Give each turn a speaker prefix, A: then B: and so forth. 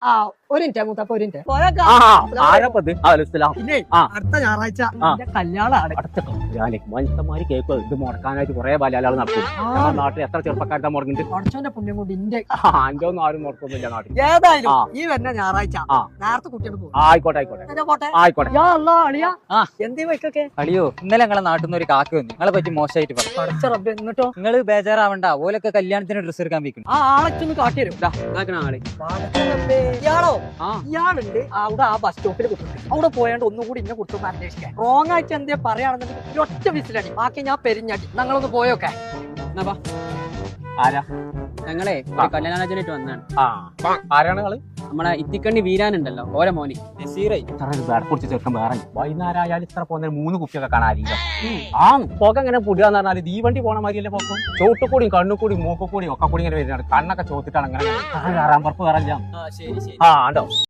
A: ആ ഒരു മിനിറ്റ് മൂത്തപ്പ ഒരു മിനിറ്റ് പിന്നെ അടുത്ത ഞായറാഴ്ച എന്റെ കല്യാണമാണ്.
B: മനുഷ്യന്മാര് കേൾക്കുക ഇത് മുടക്കാനായിട്ട് കുറെ ബാലാള് നടക്കും. നമ്മുടെ നാട്ടിൽ എത്ര ചെറുപ്പക്കാരുടെ മുടങ്ങിട്ട്
A: കുറച്ചോന്റെ പുണ്യം കൊണ്ട് ഇന്റെ
B: അന്റെ ഒന്നും ആരും മുടക്കൊന്നുമില്ല നാട്ടിൽ.
A: ഏതായാലും ഈ വരുന്ന ഞായറാഴ്ച നേരത്തെ കുട്ടിയോട് പോകും.
B: ആയിക്കോട്ടെ ആയിക്കോട്ടെ.
A: എന്തേ വൈക്കൊക്കെ
C: അളിയോ ഇന്നലെ ഞങ്ങളെ നാട്ടിൽ നിന്ന് ഒരു കാക്ക വന്നു നിങ്ങളെ പറ്റി മോശമായിട്ട് പറഞ്ഞു.
A: പഠിച്ച റബ്ബേ എന്നിട്ടോ
C: നിങ്ങൾ ബേജാറാവണ്ട ഓലൊക്കെ കല്യാണത്തിന് ഡ്രസ്സ് എടുക്കാൻ വെക്കുന്നു.
A: ആ ആളൊക്കെ കാട്ടി തരും. ഇയാളോ ഇയാളുണ്ട് അവിടെ ആ ബസ് സ്റ്റോപ്പിൽ കുത്തുന്നത്. അവിടെ പോയാണ്ട് ഒന്നുകൂടി ഇന്നെ കുറിച്ചൊന്ന് അന്വേഷിക്കാൻ. റോങ് ആയിട്ട് എന്തേ പറയാണെന്നുണ്ടെങ്കിൽ ഒറ്റ വിസിലടി, ബാക്കി ഞാൻ പെരിഞ്ഞടി. ഞങ്ങളൊന്ന് പോയോക്കെ.
B: ആരാ
D: ഞങ്ങളെ ഒരു കല്യാണാലോചനയായിട്ട് വന്നാണ്.
B: ആരാണ് നിങ്ങള്?
D: നമ്മളെ ഇത്തിക്കണ്ണി വീരാനുണ്ടല്ലോ ഓരോ മോനി
B: കുറിച്ച് ചെറുക്കം വേറെ വൈകുന്നേരം ആയാലും ഇത്ര പോകുന്ന 3 കുപ്പിയൊക്കെ കാണാതിരിക്കും. ആ പുക ഇങ്ങനെ പുടിയാന്ന് പറഞ്ഞാല് തീവണ്ടി പോണ മാതിരിയല്ലേ പോക്കും. ചോട്ടുകൂടിയും കണ്ണുകൂടിയും മൂക്കുകൂടിയും ഒക്കെ കൂടി ഇങ്ങനെ വരുന്നുണ്ട്. കണ്ണൊക്കെ ചോത്തിട്ടാണ് അങ്ങനെ കയറാൻ പറപ്പ് കയറാൻ.
D: ശരി ശരി.
B: ഉണ്ടോ